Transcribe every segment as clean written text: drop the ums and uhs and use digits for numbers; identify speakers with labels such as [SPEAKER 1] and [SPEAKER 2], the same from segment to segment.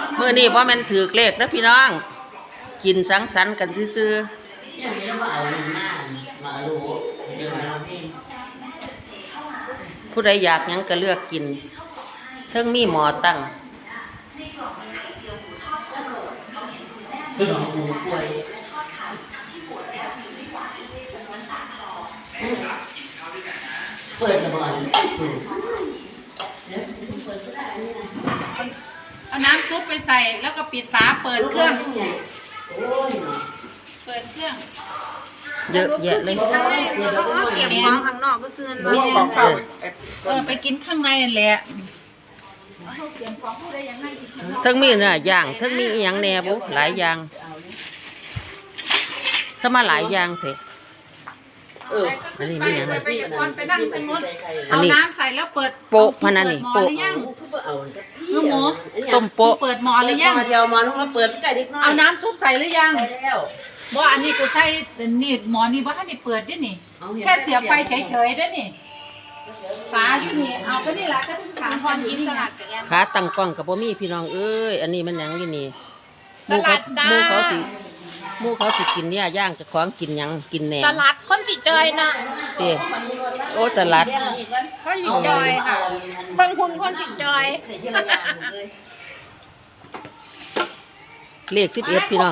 [SPEAKER 1] มื้อนี้บ่แม่นถือเลขนะพี่น้องกินสังสรรค์กันซื่อๆผู้ใดอยากหยังก็เลือกกินเทิงมีหมอตั้ง
[SPEAKER 2] เปิดระเบิด
[SPEAKER 3] เอาน้ำซุปไปใส่แล้วก็ปิดฝาเปิดเครื่องเปิดเครื่อง
[SPEAKER 1] เยอะแยะเลย
[SPEAKER 3] เก็บของข้างนอกก็ซื้อมาไปกินข้างในนั่นแหละ
[SPEAKER 1] ทั้งมีเนื้อย่างทั้งมีอีหยังแหน่บุหลายอย่างสมาหลายอย่างเถอะอันนี้มีหยัง
[SPEAKER 3] ไปนั่งตรงนู้นเอาน้ำใส่แล้วเปิด
[SPEAKER 1] โปะพนันนี่โปะ
[SPEAKER 3] ลูกหมู
[SPEAKER 1] ต้มโปะ
[SPEAKER 3] เปิดหม้อหรือยัง
[SPEAKER 2] เดียวหม้อต้องมาเปิดไก่ดิบน้อย
[SPEAKER 3] เอาน้ำซุปใส่หรือยังบ่อันนี้กูใส่นี่หม้อนี่บ่ทันได้เปิดด้วยนี่แค่เสียบไฟเฉยๆด้วยนี่ฝาอยู่นี่เอาไปนี่ล่ะก็ถึงขาพรกินสลัดกัน
[SPEAKER 1] ขาตั้งกล้องกับบ่มีพี่น้องเอ้ยอันนี้มันหยังอยู่นี่
[SPEAKER 3] สลัดจ้า
[SPEAKER 1] หมู่เขาสิกินเนี่ยย่างจะของกินหยังกินแหนม
[SPEAKER 3] สลัดคนสิจอยนะ
[SPEAKER 1] เด้โอ้สลัด
[SPEAKER 3] คนสิจอยค่ะบางคนคนสิจอย
[SPEAKER 1] เลข11พี่น้อง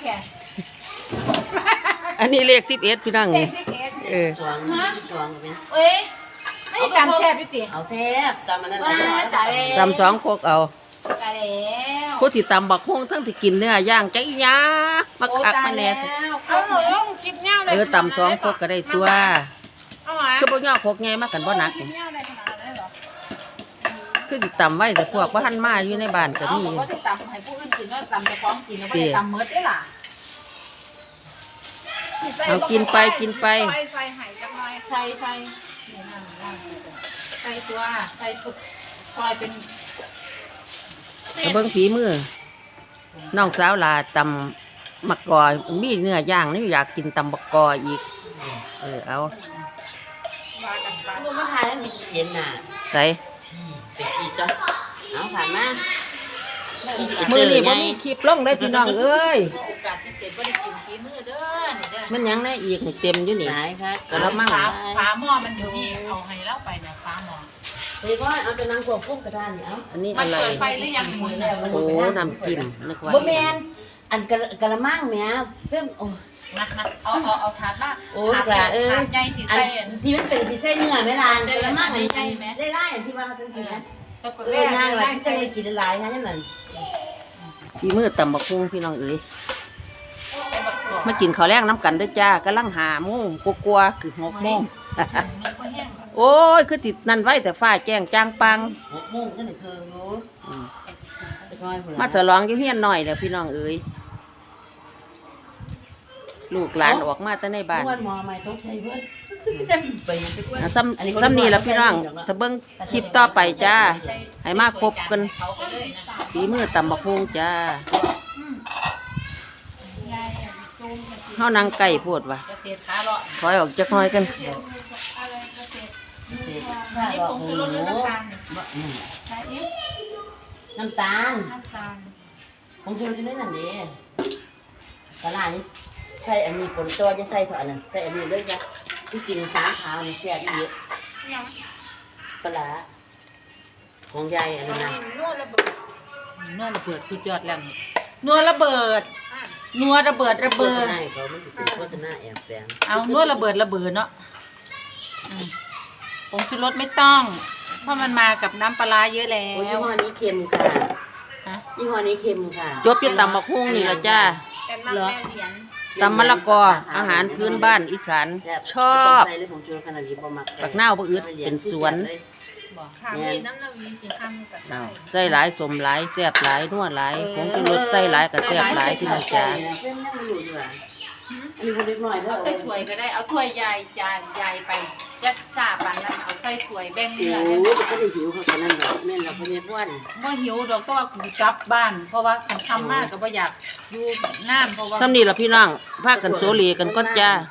[SPEAKER 1] อันนี้เลข11พี่น้อง
[SPEAKER 2] สวง
[SPEAKER 3] เอ้ยให้ตำแซ่บอยู่ติ
[SPEAKER 2] เอาแซ่บตำมันนั่น
[SPEAKER 1] ตำ2พกเอาผู้ที่ตำบักฮวงทั้งที่กินเนื้อย่างจักอีหยามาคักมาแน่
[SPEAKER 3] เอาหน่อยต้องกินเงาเลย
[SPEAKER 1] ตำ2พกก็ได้ตัวคือบ่ย่อพกไงมากันบ่หนักคือสิตำไว้แต่พวกบ่ทันมาอยู่ในบ้านก็มี
[SPEAKER 3] บ่สิตำให้ผู้อื่นกินเนาะตำเจ้าของกินแล้วบ่ได้ตำหมดเด้ล่ะ
[SPEAKER 1] เอากินไป
[SPEAKER 3] ใส่ไห่จักหน่อยใส่นี่นั่นใส่ตัวใส่สุกซอยเป็น
[SPEAKER 1] เบิ่งฝีมือน้องสาวลาตำมักกอมีเนื้อย่างนี่อยากกินตำบักกออีกเอา
[SPEAKER 2] ลูกมาทานแล้วมีเย็นน่ะ
[SPEAKER 1] ใส่
[SPEAKER 2] อีจ้ะเอาผ่านมา
[SPEAKER 1] มือนี่บ่มีคลิปลงได้พี่น้องเอ้ย
[SPEAKER 3] โอกาสพิเศษบ่ได้กินฝีมือเด้อนี่เด้อ
[SPEAKER 1] มันยังได้อีกเต็มอยู่นี่
[SPEAKER 3] ก็แล้วมั่งฝาหม้อมันอยู่นี่เอาให้เล่าไปนะฝาหม้อ
[SPEAKER 2] เฮ้ยก็เอาจะนั่งควบคุมกระดานเอา
[SPEAKER 1] อันนี้อะไร
[SPEAKER 3] มันเปิดไฟหรือยังหมุนแล้ว
[SPEAKER 1] โอ้น้ำจิ้มนึกว่า
[SPEAKER 2] บ่แม่นอันกระมังแม่เพิ่มโอ้
[SPEAKER 3] มาเอาถาดมาถาดใหญ่ที่ใส่
[SPEAKER 2] ที่มันเป็นที่ใส่เนื้อแม่ลานกระมังอันใหญ่แม่ได้ไล่อันที่ว่าจังซี่นะย่างหลายที่จะได้กินหลายนะจังนั้น
[SPEAKER 1] ฝีมือตำบักหุ่งพี่น้องเอ้ยมากินข้าวแรงน้ำกันด้วยจ้ากำลังหาโมงกลัวคือ6 โมงโอ้ยคือติดนั่นไว้แต่ฟ้าแจ้งจางปัง
[SPEAKER 2] 6 โมงก็นี่คือรู้
[SPEAKER 1] มาฉลองอยู่เฮียนหน่อยแล้วพี่น้องเอ้ยลูกหลานออกมาแต่ในบ้าน
[SPEAKER 2] หมอใหม่ต้องใช้เพื่อน
[SPEAKER 1] ซ้ำนี่แล้วพี่น้องจะเบิ้งคลิปต่อไปจ้าให้มาพบกันฝีมือตำบักหุ่งจ้าเฮานางไก่พูดว่ะถอยออกจักหน่อยกัน
[SPEAKER 2] น้ำตาลผมชวนจะได้นั่นดิตลาดนี้ใส่อันนี้คนตัวจะใส่เท่านั้นใส่อันนี้เลยจ้ะที่กินสามขาวนี่แซ่บเยอะปลาของยายอันนั้นนะ
[SPEAKER 3] นัวระเบิดสุดยอดแล้วนัวระเบิดเขาไม่ติดโฆษณาแอบแฝงเอานัวระเบิดเนาะผงชูรสไม่ต้องเพราะมันมากับน้ำปลาเยอะแล้ว
[SPEAKER 2] ยี่ห้อนี้เค็มค่ะยี่ห้อนี้เค็มค่ะ
[SPEAKER 1] จบที่ตำบักหุ่งนี่ละจ้าตำมะละกออาหารพื้นบ้านอีสานชอบปักเน่าปะอึดเป็นสวนใส่หลายสมหลายแซ่บหลายนัวหลายผงชูรสใส่หลายกับแซ่บหลายที่มันจ้า
[SPEAKER 3] เอาใส่ถ้วยก็ได้เอาถ้วยใหญ่ไปจะจ่าปันนั้นเอาใส่ถ้วยแบ่งเนื้อ
[SPEAKER 2] โอ้ยก็ได้หิวเขาขนาดนั้นแม่เราเป็นอ้วน
[SPEAKER 3] ว่าหิวดอกก็ว่ากูกลับบ้านเพราะว่าทำมากก็บ่อยากอยู่นานเพราะว่า
[SPEAKER 1] ซ้ำนี่ล่ะพี่น้องพากันโซเลกันก่อนจ้า